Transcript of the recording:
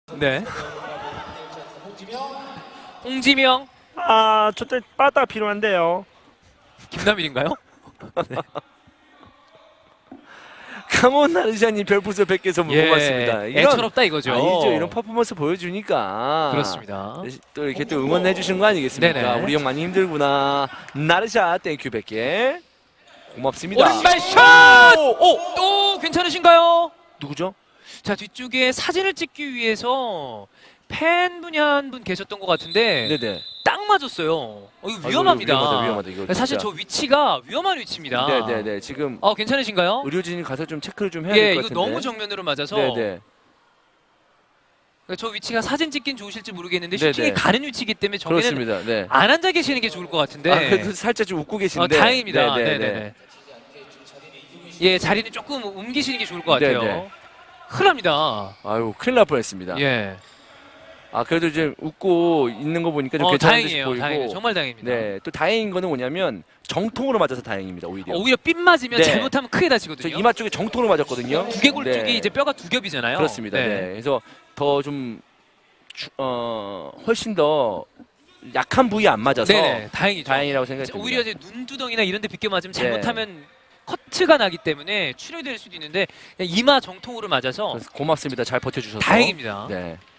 네. 홍지명. 아, 저때 빠따가 필요한데요. 김남일인가요? 네. 강원 나르샤님 별풍선 100개 선물 고맙습니다. 애처롭다 이거죠. 아니죠. 이런 퍼포먼스 보여주니까. 그렇습니다. 또 이렇게 또 응원해 주시는 거 아니겠습니까? 네네. 우리 형 많이 힘들구나. 나르샤 땡큐 100개. 고맙습니다. 오른발샷! 또 괜찮으신가요? 누구죠? 자, 뒤쪽에 사진을 찍기 위해서 팬분이 한 분 계셨던 것 같은데 네네. 딱 맞았어요. 이거 아이고, 위험합니다. 위험하다, 이거 사실 진짜. 저 위치가 위험한 위치입니다. 네네네. 지금 괜찮으신가요? 의료진이 가서 좀 체크를 좀 해야 될 것 이거 같은데. 너무 정면으로 맞아서 네네. 저 위치가 사진 찍긴 좋으실지 모르겠는데 네네. 슈팅이 가는 위치이기 때문에 저기는 그렇습니다. 네. 안 앉아 계시는 게 좋을 것 같은데. 그래도 살짝 좀 웃고 계신데. 다행입니다. 네네네. 네네네. 예, 자리는 조금 옮기시는 게 좋을 것 같아요. 네네. 큰일 납니다. 아유, 큰일 날 뻔했습니다. 예. 그래도 이제 웃고 있는 거 보니까 좀 괜찮은 듯이 다행이에요. 보이고. 다행이에요. 정말 다행입니다. 네, 또 다행인 거는 뭐냐면 정통으로 맞아서 다행입니다. 오히려. 오히려 삔 맞으면 네. 잘못하면 크게 저 다치거든요. 이마 쪽에 정통으로 맞았거든요. 두개골 네. 쪽이 이제 뼈가 두 겹이잖아요. 그렇습니다. 네. 그래서 더 좀 훨씬 더 약한 부위 안 맞아서 네네. 다행이죠. 다행이라고 생각이 듭니다. 오히려 이제 눈두덩이나 이런 데 비껴 맞으면 잘못하면 커트가 나기 때문에 출혈될 수도 있는데 그냥 이마 정통으로 맞아서 그래서 고맙습니다. 잘 버텨주셔서. 다행입니다. 네.